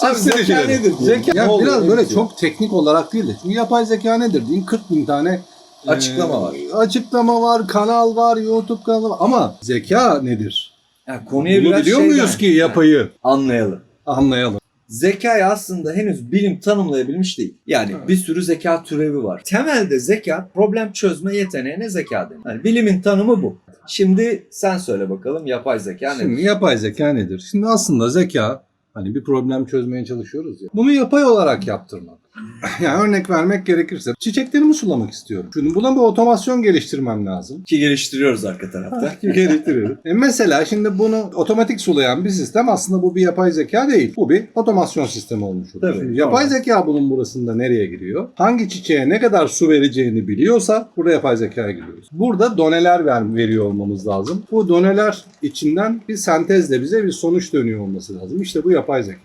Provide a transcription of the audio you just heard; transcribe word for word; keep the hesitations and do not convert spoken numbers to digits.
Abi zeka nedir diye. Zeka, Ne ya oluyor, biraz ne böyle bitiyor? çok teknik olarak değil de. Çünkü yapay zeka nedir diyeyim kırk bin tane Açıklama e, var. Açıklama var, kanal var, YouTube kanalı var. Ama zeka nedir? Yani konuya Bunu biraz biliyor şeyden- muyuz ki yapayı Ha, anlayalım. anlayalım? Zekayı aslında henüz bilim tanımlayabilmiş değil. Yani Evet. bir sürü zeka türevi var. Temelde zeka problem çözme yeteneğine zeka denir. Yani bilimin tanımı bu. Şimdi sen söyle bakalım yapay zeka nedir? Şimdi yapay zeka nedir? Şimdi aslında zeka hani bir problem çözmeye çalışıyoruz ya. Bunu yapay olarak yaptırmak. Yani örnek vermek gerekirse çiçeklerimi sulamak istiyorum. Şimdi buna bir otomasyon geliştirmem lazım. Ki geliştiriyoruz arka tarafta. Geliştiriyorum. E mesela şimdi bunu otomatik sulayan bir sistem aslında bu bir yapay zeka değil. Bu bir otomasyon sistemi olmuş oluyor. Tabii, Şimdi yapay normal. zeka bunun burasında nereye giriyor? Hangi çiçeğe ne kadar su vereceğini biliyorsa burada yapay zekaya giriyoruz. Burada doneler ver, veriyor olmamız lazım. Bu doneler içinden bir sentezle bize bir sonuç dönüyor olması lazım. İşte bu yapay zeka.